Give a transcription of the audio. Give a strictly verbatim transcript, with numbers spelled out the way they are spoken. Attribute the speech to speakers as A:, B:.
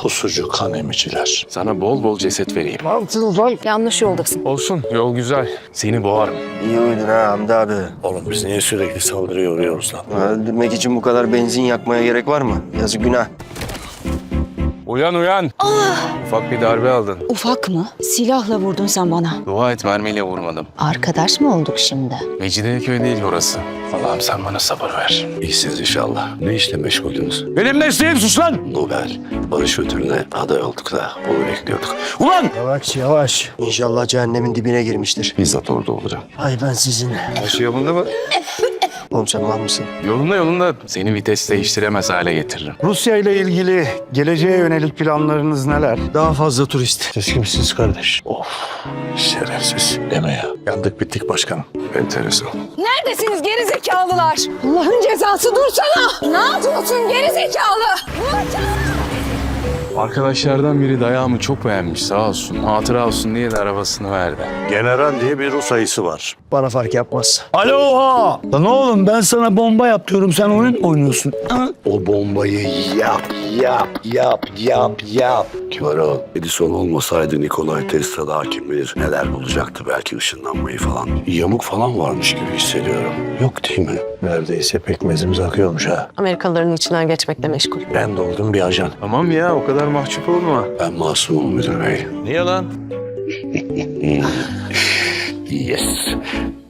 A: Pusucu kan emiciler.
B: Sana bol bol ceset vereyim.
A: Ne yaptınız lan?
C: Yanlış yoldasın.
B: Olsun, yol güzel. Seni boğarım.
D: İyi uyudun ha Hamdi abi.
A: Oğlum biz niye sürekli saldırıya uğruyoruz lan?
D: Öldürmek için bu kadar benzin yakmaya gerek var mı? Yazık günah.
B: Uyan uyan. Ufak bir darbe aldın.
C: Ufak mı? Silahla vurdun sen bana.
B: Dua et, mermiyle vurmadım.
C: Arkadaş mı olduk şimdi?
B: Mecidiyeköy değil orası. Allah'ım sen bana sabır ver.
A: İyisiniz inşallah. Ne işle meşguldünüz?
B: Benim mesleğim sus lan!
A: Nobel barış ödülüne aday olduk da onu bekliyorduk.
B: Ulan!
D: Yavaş yavaş. İnşallah cehennemin dibine girmiştir.
A: Bizzat orada olacağım.
D: Ay ben sizin.
B: Her şey yolunda mı?
D: Oğlum sen mal mısın?
B: Yolunda yolunda. Seni vites değiştiremez hale getiririm.
E: Rusya ile ilgili geleceğe yönelik planlarınız neler?
D: Daha fazla turist.
A: Siz kimsiniz kardeş? Of şerefsiz deme ya. Yandık bittik başkanım. Enteresan.
C: Neredesiniz geri zekalılar? Allah'ın cezası dursana. Ne yapıyorsun geri zekalı?
B: Arkadaşlardan biri dayağımı çok beğenmiş sağ olsun. Hatıra olsun diye de arabasını verdi.
A: General diye bir Rus ayısı var.
D: Bana fark yapmaz.
E: Alo ha! Lan oğlum ben sana bomba yap diyorum, sen oyun oynuyorsun. Ha?
A: O bombayı yap, yap, yap, yap, yap. Kivarol, Edison olmasaydı Nikolay Tesla daha kim bilir neler bulacaktı, belki ışınlanmayı falan. Yamuk falan varmış gibi hissediyorum. Yok değil mi? Neredeyse pekmezimiz akıyormuş ha.
F: Amerikalıların içinden geçmekle meşgul.
A: Ben de oldum bir ajan.
B: Tamam ya o kadar mahcup olma.
A: Ben masumum müdür bey.
B: Niye lan?
A: Yes.